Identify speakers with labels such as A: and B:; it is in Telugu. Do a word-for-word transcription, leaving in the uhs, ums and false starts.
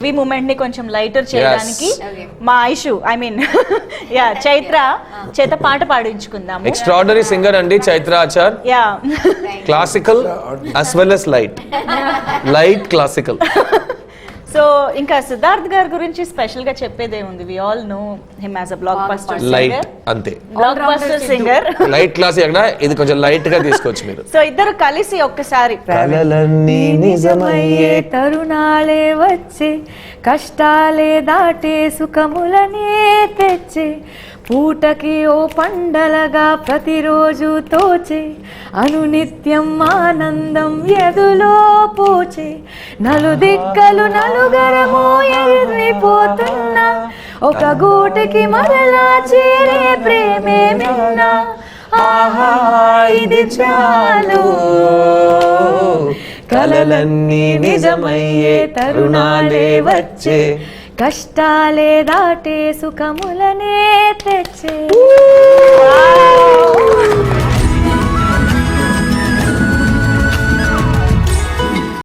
A: ఈ మూమెంట్ ని కొంచెం లైటర్ చేయడానికి మా Aishu I mean yeah Chaitra చేత పాట పాడించుకుందాము.
B: ఎక్స్ట్రాఆర్డినరీ సింగర్ అండి Chaitra Achar.
A: Yeah
B: classical as well as light light classical.
A: So ఇంకా సిద్ధార్థ్ గారి గురించి స్పెషల్ గా చెప్పేదే ఉంది. We all know him as a blockbuster
B: light
A: singer.
B: అంతే,
A: blockbuster singer.
B: Light class ఎక్కడ ఇది కొంచెం లైట్ గా తీసుకోవచ్చు మీరు.
A: సో ఇద్దరు కలిసి ఒక్కసారి
B: కలలన్నీ నిజమయ్యే
C: తరుణాలే వచ్చే కష్టాలే దాటే సుఖములనే తెచ్చే పూటకి ఓ పండలగా ప్రతిరోజు తోచే అనునిత్యం ఆనందం ఎదులో పోచే నలుదిక్కలు నలుగరమో ఎగిరిపోతున్నా ఒక గూటికి మరలా చేరే ప్రేమే మిన్నా ఆహా ఇది చాలు
B: కలలన్నీ నిజమయ్యే తరుణాలే వచ్చే
C: కష్టాలే దాటే సుఖములనే తెచ్చే.